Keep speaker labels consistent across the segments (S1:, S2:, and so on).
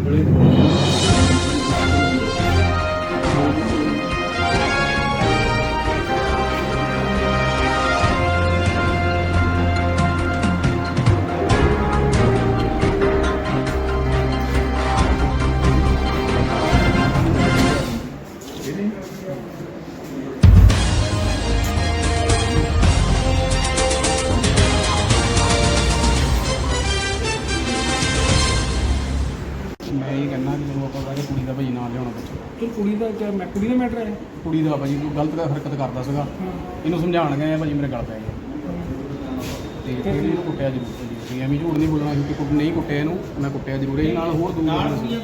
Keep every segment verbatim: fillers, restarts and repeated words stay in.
S1: मैं ये कहना कि जो आप कुड़ी का भाई नाम लिया बच्चा
S2: तो कुड़ी का क्या मैं कुड़ी का मैटर है
S1: कुड़ी का भाजी कोई गलत हरकत करता ਸੀਗਾ ਇਹਨੂੰ ਸਮਝਾਉਣ ਗਏ ਭਾਜੀ ਮੇਰੇ ਗਲ ਪੈ ਗਿਆ ਤੇ ਫਿਰ ਇਹਨੂੰ ਕੁੱਟਿਆ ਜ਼ਰੂਰ ਭਾਜੀ ਐਵੇਂ ਝੂਠ ਨਹੀਂ ਬੋਲਣਾ ਕਿ ਕੁੱਟ ਨਹੀਂ ਕੁੱਟਿਆ ਇਹਨੂੰ ਮੈਂ ਕੁੱਟਿਆ ਜ਼ਰੂਰ ਇਹ ਨਾਲ ਹੋਰ ਦੂਰ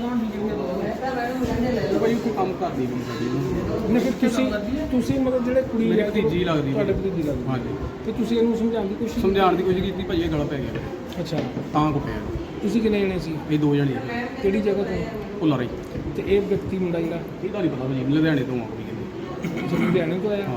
S1: ਭਾਜੀ ਕੋਈ ਕੰਮ ਕਰਦੀ ਨਹੀਂ ਸਾਡੀ
S2: ਨਹੀਂ ਫਿਰ ਤੁਸੀਂ ਤੁਸੀਂ ਮਤਲਬ ਜਿਹੜੇ ਕੁੜੀ
S1: ਮੇਰੀ ਭਤੀਜੀ ਲੱਗਦੀ
S2: ਤੁਹਾਡੇ ਭਤੀਜੀ ਲੱਗਦੀ
S1: ਹਾਂਜੀ
S2: ਤੇ ਤੁਸੀਂ ਇਹਨੂੰ ਸਮਝਾਉਣ ਦੀ ਕੋਸ਼ਿਸ਼
S1: ਸਮਝਾਉਣ ਦੀ ਕੋਸ਼ਿਸ਼ ਕੀਤੀ ਭਾਜੀ ਇਹ ਗਲ ਪੈ ਗਿਆ
S2: ਅੱਛਾ
S1: ਤਾਂ ਕੁੱਟਿਆ
S2: ਤੁਸੀਂ ਕਿੰਨੇ ਜਣੇ ਸੀ
S1: ਇਹ ਦੋ ਜਣੇ
S2: ਕਿਹੜੀ ਜਗ੍ਹਾ ਤੋਂ
S1: ਭੁੱਲਾ ਰਹੀ
S2: ਤੇ ਇਹ ਵਿਅਕਤੀ ਮੁੰਡਾ ਜਿਹੜਾ
S1: ਇਹਦਾ ਨਹੀਂ ਪਤਾ ਭਾਜੀ ਲੁਧਿਆਣੇ ਤੋਂ ਆ ਕੋਈ ਕਹਿੰਦੇ
S2: ਤੁਸੀਂ ਲੁਧਿਆਣੇ ਤੋਂ ਆਇਆ
S1: ਹਾਂ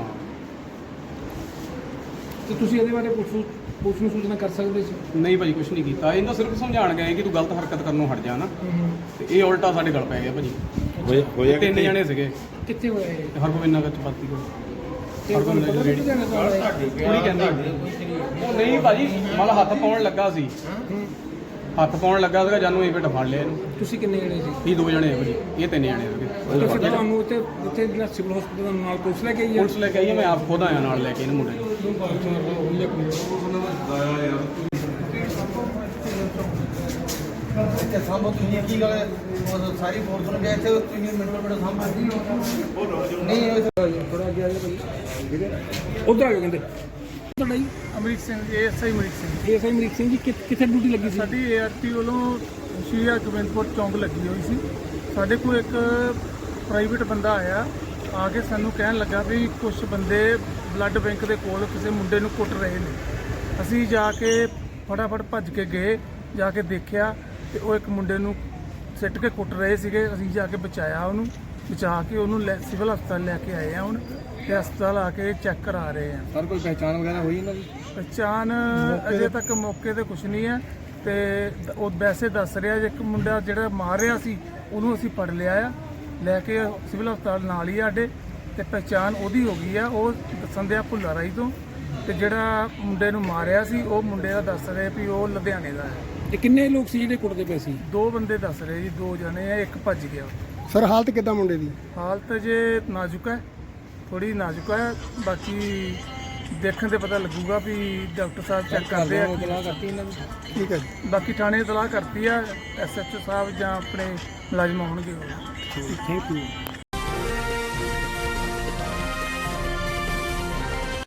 S2: ਤੇ ਤੁਸੀਂ ਇਹਦੇ ਬਾਰੇ ਪੁਲਿਸ ਪੁਲਿਸ ਨੂੰ ਸੂਚਨਾ ਕਰ ਸਕਦੇ ਸੀ
S1: ਨਹੀਂ ਭਾਜੀ ਕੁਝ ਨਹੀਂ ਕੀਤਾ ਇਹਨਾਂ ਸਿਰਫ ਸਮਝਾਉਣ ਗਏ ਕਿ ਤੂੰ ਗਲਤ ਹਰਕਤ ਕਰਨੋਂ ਹਟ ਜਾ ਨਾ ਤੇ ਇਹ ਉਲਟਾ ਸਾਡੇ ਗਲ ਪੈ ਗਿਆ ਭਾਜੀ
S3: ਹੋਇਆ
S1: ਤਿੰਨ ਜਣੇ ਸੀਗੇ
S2: ਕਿੱਥੇ ਹੋਇਆ ਇਹ
S1: ਤੇ ਹਰਗੋਬਿੰਦ ਨਗਰ ਚ ਬਾਤੀ ਕੋਲ
S2: ਤੇ ਤੁਹਾਨੂੰ ਪਤਾ ਨਹੀਂ ਲੁਧਿਆਣੇ ਤੋਂ ਆਇਆ
S1: ਕੁੜੀ ਕਹਿੰਦੀ ਉਹ ਨਹੀਂ ਭਾਜੀ ਮਲ ਹੱਥ ਪਾਉਣ ਲੱਗਾ ਸੀ ਹੱਥ ਪਾਉਣ ਲੱਗਾ ਸੀਗਾ ਜਾਨੂੰ ਇਹ ਬੇਟ ਫੜ ਲਿਆ ਇਹਨੂੰ
S2: ਤੁਸੀਂ ਕਿੰਨੇ ਜਣੇ ਸੀ
S1: ਇਹ ਦੋ ਜਣੇ ਆ ਭਾਜੀ ਇਹ ਤਿੰਨ ਜਣੇ ਸੀਗੇ
S2: ਤੇ ਫਿਰ ਤੁਹਾਨੂੰ ਉੱਥੇ ਉੱਥੇ ਜਿਹੜਾ ਸਿਵਲ ਹਸਪੀਟਲ ਨਾਲ ਪੁਲਿਸ ਲੈ ਕੇ ਆਈ ਹੈ
S1: ਪੁਲਿਸ ਲੈ ਕੇ ਆਈ ਆ, ਮੈਂ ਆਪ ਖੁਦ ਆਇਆ ਨਾਲ ਲੈ ਕੇ ਇਹਨੂੰ ਮੁੰਡੇ ਨੂੰ
S4: ਸਾਂਭੋ ਤੁਸੀਂ ਕੀ ਗੱਲ ਸਾਰੀ ਫੋਰਸ ਨੂੰ ਗਏ ਇੱਥੇ ਤੁਸੀਂ ਮਿੰਟੋ ਮਿੰਟ ਸਾਂਭੋ ਨਹੀਂ
S2: ਥੋੜਾ ਅੱਗੇ ਆ ਜਾ ਭਾਈ ਉਧਰ ਆ ਜਾਓ ਕਹਿੰਦੇ ਤੁਹਾਡਾ ਜੀ
S5: ਅਮਰੀਕ ਸਿੰਘ ਏਐਸਆਈ ਅਮਰੀਕ ਸਿੰਘ
S2: ਏਐਸਆਈ ਅਮਰੀਕ ਸਿੰਘ ਜੀ ਕਿ- ਕਿੱਥੇ ਡਿਊਟੀ ਲੱਗੀ ਸੀ
S5: ਸਾਡੀ ਏਆਰਟੀ ਵੱਲੋਂ ਸ਼੍ਰੀ ਹਰਗੋਬਿੰਦਪੁਰ ਚੌਂਕ ਲੱਗੀ ਹੋਈ ਸੀ। ਸਾਡੇ ਕੋਲ ਇੱਕ ਪ੍ਰਾਈਵੇਟ ਬੰਦਾ ਆਇਆ ਆ ਕੇ ਸਾਨੂੰ ਕਹਿਣ ਲੱਗਾ ਵੀ ਕੁਝ ਬੰਦੇ ਬਲੱਡ ਬੈਂਕ ਦੇ ਕੋਲ ਕਿਸੇ ਮੁੰਡੇ ਨੂੰ ਕੁੱਟ ਰਹੇ ਨੇ। ਅਸੀਂ ਜਾ ਕੇ ਫਟਾਫਟ ਭੱਜ ਕੇ ਗਏ, ਜਾ ਕੇ ਦੇਖਿਆ ਤੇ ਉਹ ਇੱਕ ਮੁੰਡੇ ਨੂੰ ਸਿੱਟ ਕੇ ਕੁੱਟ ਰਹੇ ਸੀਗੇ। ਅਸੀਂ ਜਾ ਕੇ ਬਚਾਇਆ ਉਹਨੂੰ, ਬਚਾ ਕੇ ਉਹਨੂੰ ਲੈ ਸਿਵਲ ਹਸਪਤਾਲ ਲੈ ਕੇ ਆਏ ਆ ਹੁਣ ਤੇ ਹਸਪਤਾਲ ਆ ਕੇ ਚੈੱਕ ਕਰਾ ਰਹੇ ਆ।
S2: ਸਰ ਕੋਈ ਪਹਿਚਾਣ ਵਗੈਰਾ ਹੋਈ ਇਹਨਾਂ ਦੀ
S5: ਪਹਿਚਾਣ ਅਜੇ ਤੱਕ ਮੌਕੇ ਤੇ ਕੁਝ ਨਹੀਂ ਹੈ ਤੇ ਉਹ ਵੈਸੇ ਦੱਸ ਰਿਹਾ ਜੇ ਇੱਕ ਮੁੰਡਾ ਜਿਹੜਾ ਮਾਰ ਰਿਹਾ ਸੀ ਉਹਨੂੰ ਅਸੀਂ ਫੜ ਲਿਆ ਆ, ਲੈ ਕੇ ਸਿਵਲ ਹਸਪਤਾਲ ਨਾਲ ਹੀ ਸਾਡੇ ਤੇ ਪਹਿਚਾਣ ਉਹਦੀ ਹੋ ਗਈ ਆ। ਉਹ ਦੱਸਣ ਦਿਆ ਭੁੱਲਾ ਰਾਈ ਤੋਂ ਤੇ ਜਿਹੜਾ ਮੁੰਡੇ ਨੂੰ ਮਾਰਿਆ ਸੀ ਉਹ ਮੁੰਡੇ ਦਾ ਦੱਸ ਰਹੇ ਵੀ ਉਹ ਲੁਧਿਆਣੇ ਦਾ ਹੈ।
S2: ਤੇ ਕਿੰਨੇ ਲੋਕ ਸੀ ਜਿਹੜੇ ਕੁੱਟਦੇ ਪਏ ਸੀ
S5: ਦੋ ਬੰਦੇ ਦੱਸ ਰਹੇ ਜੀ, ਦੋ ਜਣੇ ਆ, ਇੱਕ ਭੱਜ ਗਿਆ।
S2: ਸਰ ਹਾਲਤ ਕਿੱਦਾਂ ਮੁੰਡੇ ਦੀ
S5: ਹਾਲਤ ਜੇ ਨਾਜ਼ੁਕ ਹੈ, ਥੋੜੀ ਨਾਜ਼ੁਕ ਹੈ, ਬਾਕੀ ਦੇਖਣ ਤੇ ਪਤਾ ਲੱਗੂਗਾ ਵੀ ਡਾਕਟਰ ਸਾਹਿਬ ਚੈੱਕ ਕਰਦੇ ਆ।
S2: ਕਰਤੀ ਇਹਨਾਂ ਦੀ
S5: ਠੀਕ ਹੈ ਜੀ, ਬਾਕੀ ਥਾਣੇ ਇਤਲਾਹ ਕਰਤੀ ਆ, ਐਸਐਚਓ ਸਾਹਿਬ ਜਾਂ ਆਪਣੇ ਮੁਲਾਜ਼ਮ ਹੋਣਗੇ।
S2: Thank you